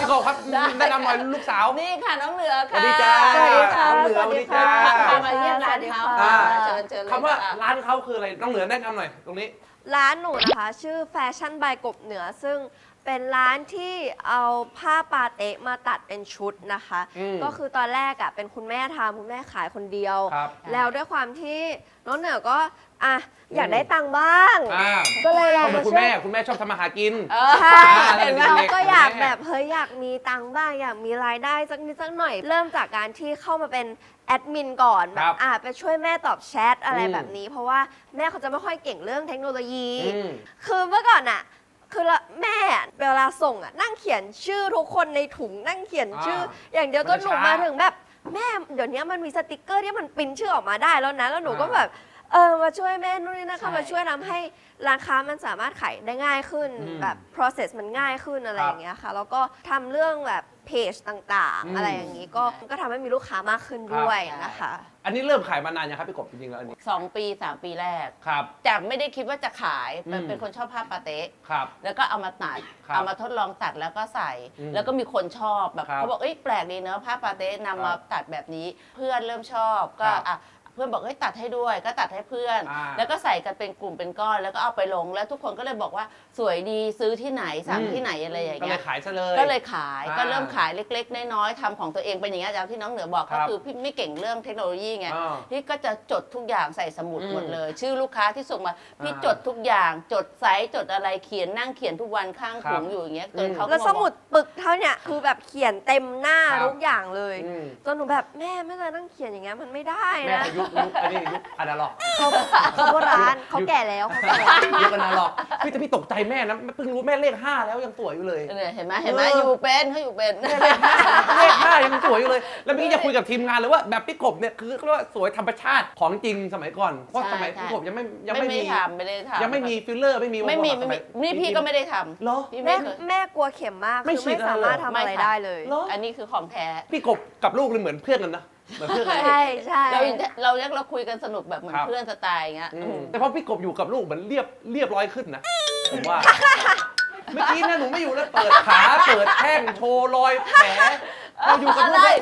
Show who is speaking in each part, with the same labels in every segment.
Speaker 1: กบครับแนะนำหน่อยลูกสาว
Speaker 2: นี่ค่ะน้องเหนือค่ะ
Speaker 1: สวัสดีจ้า
Speaker 3: สวัสดีค่ะ
Speaker 1: น้องเหนือสวัสดีจ้า
Speaker 2: พามาเยี่ยมร้านเขา เชิญเลย
Speaker 1: คำว่า
Speaker 2: ค่ะ
Speaker 1: ร้านเขาคืออะไรน้องเหนือแนะนำหน่อยตรงนี้
Speaker 3: ร้านหนูนะคะชื่อแฟชั่นบายกบเหนือ ซึ่งเป็นร้านที่เอาผ้าปาเต๊ะมาตัดเป็นชุดนะคะ ก็คือตอนแรกเป็นคุณแม่ทำคุณแม่ขายคนเดียว
Speaker 1: ครับ
Speaker 3: แล้วด้วยความที่น้องเหนือก็อยากได้ตังค์บ้าง ก็เลยลอง
Speaker 1: เหมือ
Speaker 3: มาน
Speaker 1: คุณ
Speaker 3: ช่วย
Speaker 1: แม่คุณแม่ชอบทำมาหากิน
Speaker 3: ใช่
Speaker 1: เห็นไหม
Speaker 3: เราก็อยากแบบเฮ้ยอยากมีตังค์บ้างอยากมีรายได้สักนิดสักหน่อย เริ่มจากการที่เข้ามาเป็นแอดมินก่อนแบบไปช่วยแม่ตอบแชทอะไรแบบนี้ เพราะว่าแม่เขาจะไม่ค่อยเก่งเรื่องเทคโนโลยี คือเมื่อก่อนคือแม่เวลาส่งนั่งเขียนชื่อทุกคนในถุงนั่งเขียนชื่อ อย่างเดียวจนหนูมาถึงแบบแม่เดี๋ยวนี้มันมีสติกเกอร์ที่มันปริ้นชื่อออกมาได้แล้วนะแล้วหนูก็แบบมาช่วยแม่นู่นนี่นะคะมาช่วยทำให้ร้านค้ามันสามารถขายได้ง่ายขึ้นแบบ process มันง่ายขึ้นอะไรอย่างเงี้ยค่ะแล้วก็ทำเรื่องแบบเพจต่างๆอะไรอย่างงี้ก็ทำให้มีลูกค้ามากขึ้นด้วยนะคะ
Speaker 1: อันนี้เริ่มขายมานานยังครับพี่กบจริงๆแล้วอันนี้
Speaker 2: 2 ปี 3 ปีแรก
Speaker 1: ครับ
Speaker 2: จากไม่ได้คิดว่าจะขายเป็นคนชอบผ้าปาเต๊ะ
Speaker 1: ครับ
Speaker 2: แล้วก็เอามาตัด
Speaker 1: ครับ
Speaker 2: เอามาทดลองตัดแล้วก็ใส่ แล้วก็มีคนชอบแบบ
Speaker 1: ครับ
Speaker 2: เขาบอกเอ้ยแปลกดีเนอะผ้าปาเต๊ะนำมาตัดแบบนี้ เพื่อนเริ่มชอบก็
Speaker 1: ครับ
Speaker 2: เพื่อนบอกเฮ้ยตัดให้ด้วยก็ตัดให้เพื่อน แล้วก็ใส่กันเป็นกลุ่มเป็นก้อนแล้วก็เอาไปลงแล้วทุกคนก็เลยบอกว่าสวยดีซื้อที่ไหนสั่งที่ไหนอะไรอย่าง
Speaker 1: ก็เล
Speaker 2: เงี้
Speaker 1: ย
Speaker 2: ย
Speaker 1: ขายซะเลย
Speaker 2: ก็เลยขาย
Speaker 1: อ่า
Speaker 2: ก็เริ่มขายเล็กๆน้อยๆทำของตัวเองเป็นอย่างเงี้ยอย่างที่น้องเหนือบอก
Speaker 1: ครั
Speaker 2: ก็
Speaker 1: บ
Speaker 2: คือพี่ไม่เก่งเรื่องเทคโนโลยีไง
Speaker 1: อ่า
Speaker 2: พี่ก็จะจดทุกอย่างใส่สมุดหมดเลย ชื่อลูกค้าที่ส่งมาพี่
Speaker 1: อ่า
Speaker 2: จดทุกอย่างจดไซส์จดอะไรเขียนนั่งเขียนทุกวันข้างถุงอยู่อย่างเงี้ยจนเขาก็
Speaker 3: แล้วสมุดปึกเท่าเนี่ยคือแบบเขียนเต็มหน้า
Speaker 1: ครับ
Speaker 3: ทุกอย่างเลย
Speaker 1: อืม
Speaker 3: จนหนูแบบแม่ไม่เคยนั่งเขียนอย่างเงี้ยมันไม่ได้
Speaker 1: แม่
Speaker 3: นะ
Speaker 1: ยุคอันนี้ยุคอนาล็อก
Speaker 3: เขาโบราณเขาแก่แล้วเขาแก่แล้ว
Speaker 1: ยุคอนาล็อกพี่แต่พี่ตกใจแม่นะเพิ่งรู้แม่เลข5แล้วยังสวยอยู่เลย
Speaker 2: เนี่ยเห็นไหมอยู่เป็นเขาอยู่เป็น
Speaker 1: เลข5ยังสวยอยู่เลย แล้วเมื่อกี้จะคุยกับทีมงานเลยว่าแบบพี่กบเนี่ยคือเขาเรียกว่าสวยธรรมชาติของจริงสมัยก่อนเพราะสมัยพี่กบยังไม่มี
Speaker 2: ทำไม่ได้ทำ
Speaker 1: ยังไม่มีฟิลเลอร์ไม่มี
Speaker 2: ไม่มี
Speaker 1: สย
Speaker 2: นี่พี่ก็ไม่ได้ทำ
Speaker 1: เหรอ
Speaker 2: พี่
Speaker 3: แม่
Speaker 2: ไม่เคย
Speaker 3: แม่กลัวเข็มมาก
Speaker 1: ไม่
Speaker 3: คือ
Speaker 1: ฉี
Speaker 3: ไม่
Speaker 1: ดอะไร
Speaker 3: สามารถ
Speaker 1: เหรอ
Speaker 3: ทำอะไรได้เลย
Speaker 1: เหรอ
Speaker 2: อันนี้คือของแท้
Speaker 1: พี่กบกับลูกเลยเหมือนเพื่อนกันนะเหมือนเพื่อนกัน
Speaker 3: ใช่ใช่
Speaker 2: เราคุยกันสนุกแบบเหมือน
Speaker 1: ครับ
Speaker 2: เพื่อนสไตล์อย่างเงี้ย
Speaker 1: แต่พอพี่กบอยู่กับลูกเหมือนเรียบร้อยขึ้นนะผมว่า เมื่อกี้นะหนูไม่อยู่แล้วเปิดขาเปิดแข้งโชว์รอยแผลเราอยู่กับลูก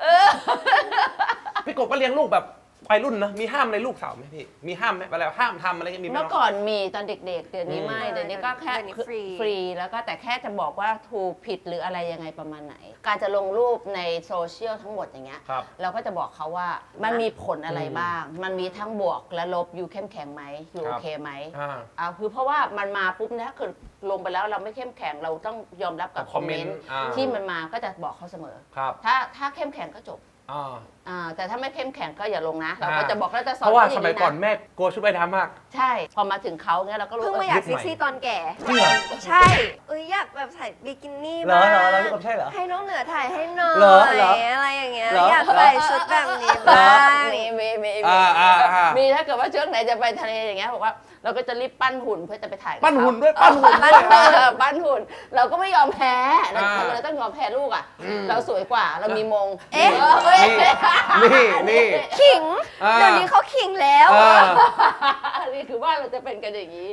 Speaker 1: พี่กบก็เลี้ยงลูกแบบวัยรุ่นนะมีห้ามอะไรลูกสาวไหมพี่มีห้ามไหมอะไรห้ามทำอะไรเงี้ยมีไหม
Speaker 2: เมื่อก่อนมีตอนเด็กๆ เดี๋ยวนี้ไม่
Speaker 3: อืม
Speaker 2: เดี๋ยวนี้ก็แค่
Speaker 3: เดี๋ยวนี้ฟรี
Speaker 2: แล้วก็แต่แค่จะบอกว่าถูกผิดหรืออะไรยังไงประมาณไหน การจะลงรูปในโซเชียลทั้งหมดอย่างเงี้ย
Speaker 1: ครับ
Speaker 2: เราก็จะบอกเขาว่ามันมีผลอะไรบ้าง มันมีทั้งบวกและลบอยู่เข้มแข็งไหมอยู่โอเคไหม คือเพราะว่ามันมาปุ๊บเนี่ยคือลงไปแล้วเราไม่เข้มแข็งเราต้องยอมรับกับคอมเมนต์ที่มันมาก็จะบอกเขาเสมอ
Speaker 1: ครับ
Speaker 2: ถ้าเข้มแข็งก็จบ
Speaker 1: อ่า
Speaker 2: แต่ถ้าไม่เข้มแข็งก็อย่าลงนะ เราก็จะบอกแล้วจะสอน
Speaker 1: เพราะว่า
Speaker 2: อย่
Speaker 1: ส
Speaker 2: ง
Speaker 1: มัย
Speaker 2: นี้ะ
Speaker 1: ก่อนแม่กลัวชุดว่ายน้ำมาก
Speaker 2: ใช่ พอมาถึงเขาเนี่ยเราก็รู้
Speaker 3: เพิ่งมาอยากเซ็กซี่ตอนแก่
Speaker 1: จริงเหรอ
Speaker 3: ใช่อยากแบบใส่บิกินี่
Speaker 1: เหรอ
Speaker 3: บ้าง
Speaker 1: เหรอพี่กบใช่เหรอ
Speaker 3: ให้น้องเหนือถ่ายให้หน่อย
Speaker 1: เหรอเหรอ
Speaker 3: อะไรอย่างเงี้ย
Speaker 1: เหรอ
Speaker 3: อยากใส่ชุดแบบนี้บ้าง
Speaker 2: มีถ้าเกิดว่าช่วงไหนจะไปทะเลอย่างเงี้ยบอกว่าเราก็จะรีบปั้นหุ่นเพื่อจะไปถ่ายกับ
Speaker 1: ปั้นหุ่น
Speaker 2: เขา
Speaker 1: ด้วยปั้นหุ่นด้วย
Speaker 2: ปั้นหุ่น เราก็ไม่ยอมแพ้เราเลยต้องยอมแพ้ลูกอ่ะ เราสวยกว่าเรามีมง
Speaker 3: เอ๊ะ
Speaker 1: นี่
Speaker 3: ขิง เดี๋ยวนี้เขาขิงแล้ว
Speaker 2: นี่คือว่าเราจะเป็นกันอย่างนี้